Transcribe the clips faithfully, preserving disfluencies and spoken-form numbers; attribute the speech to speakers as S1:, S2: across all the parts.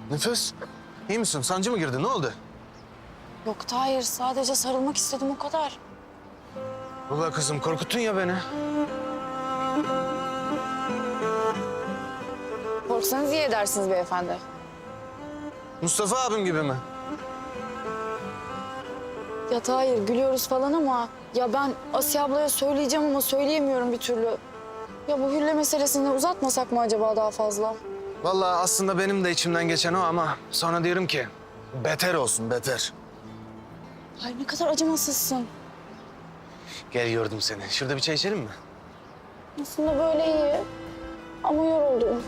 S1: Nefes, iyi misin? Sancı mı girdi? Ne oldu?
S2: Yok Tahir, sadece sarılmak istedim o kadar.
S1: Vallahi kızım korkuttun ya beni.
S2: Korksanız iyi edersiniz beyefendi.
S1: Mustafa abim gibi mi?
S2: Ya Tahir, gülüyoruz falan ama... ya ben Asiye ablaya söyleyeceğim ama söyleyemiyorum bir türlü. Ya bu Hülle meselesini uzatmasak mı acaba daha fazla?
S1: Vallahi aslında benim de içimden geçen o ama sonra diyorum ki beter olsun, beter.
S2: Ay ne kadar acımasızsın.
S1: Gel yordum seni. Şurada bir çay içelim mi?
S2: Aslında böyle iyi ama yoruldum.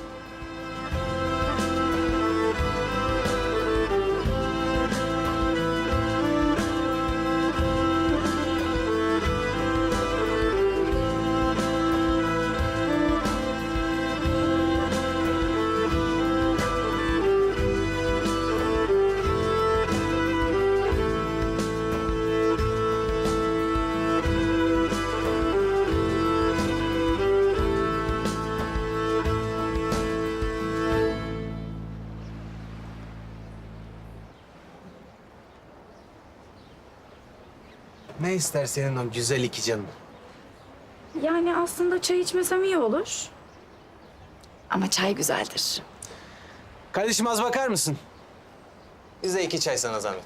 S1: Ne ister senin o güzel iki canım?
S2: Yani aslında çay içmesem iyi olur. Ama çay güzeldir.
S1: Kardeşim az bakar mısın? Bize iki çay sana zahmet.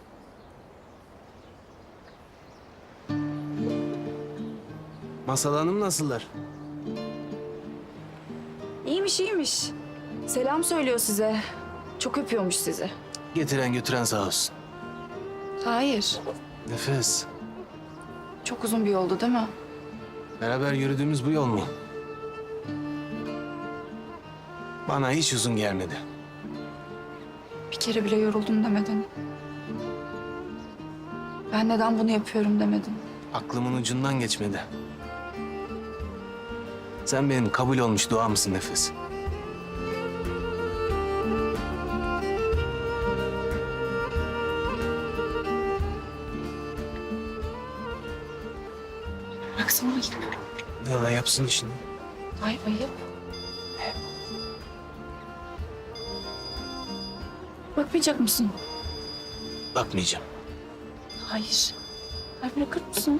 S1: Masal Hanım nasıllar?
S2: İyiymiş iyiymiş. Selam söylüyor size. Çok öpüyormuş sizi.
S1: Getiren götüren sağ olsun.
S2: Hayır.
S1: Nefes,
S2: Çok uzun bir yoldu değil mi?
S1: beraber yürüdüğümüz bu yol mu? Bana hiç uzun gelmedi.
S2: Bir kere bile yoruldum demedin. Ben neden bunu yapıyorum demedin.
S1: Aklımın ucundan geçmedi. Sen benim kabul olmuş duamsın Nefes.
S2: Bıraksana ayıp.
S1: Ya yapsın işini.
S2: Ay ayıp. Bakmayacak mısın?
S1: Bakmayacağım.
S2: Hayır. Ay bırakır mısın?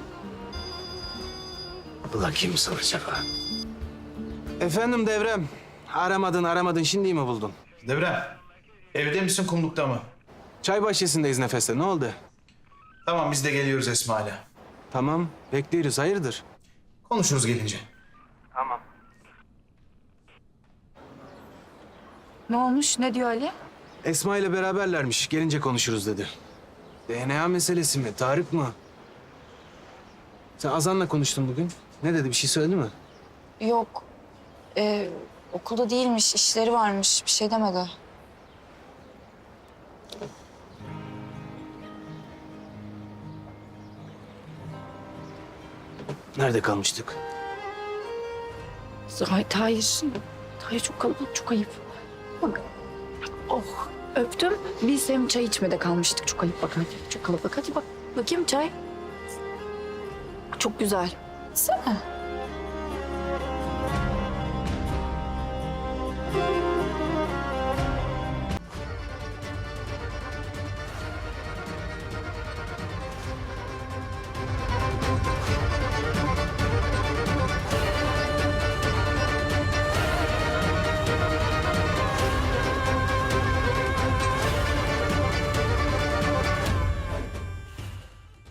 S1: Ulan kim soracak ha? Efendim Devrem. Aramadın aramadın şimdi mi buldun?
S3: Devrem, evde misin kumlukta mı?
S1: Çay bahçesindeyiz Nefes'te. Ne oldu?
S3: Tamam biz de geliyoruz Esma'yla.
S1: Tamam bekliyoruz. Hayırdır?
S3: Konuşuruz gelince.
S2: Ne olmuş? Ne diyor Ali?
S1: Esma ile beraberlermiş. Gelince konuşuruz dedi. D N A meselesi mi? Tarık mı? Sen Azan'la konuştun bugün. Ne dedi? Bir şey söyledi mi?
S2: Yok. Ee, okulda değilmiş, işleri varmış. Bir şey demedi.
S1: Nerede kalmıştık?
S2: Hayır, hayır. Hayır çok kalabalık, çok ayıp. Bak. Oh, öptüm. Biz hem çay içmede kalmıştık. Çok ayıp bak hadi. Çok kalabalık. Hadi bak. Bakayım çay. Çok güzel. Sen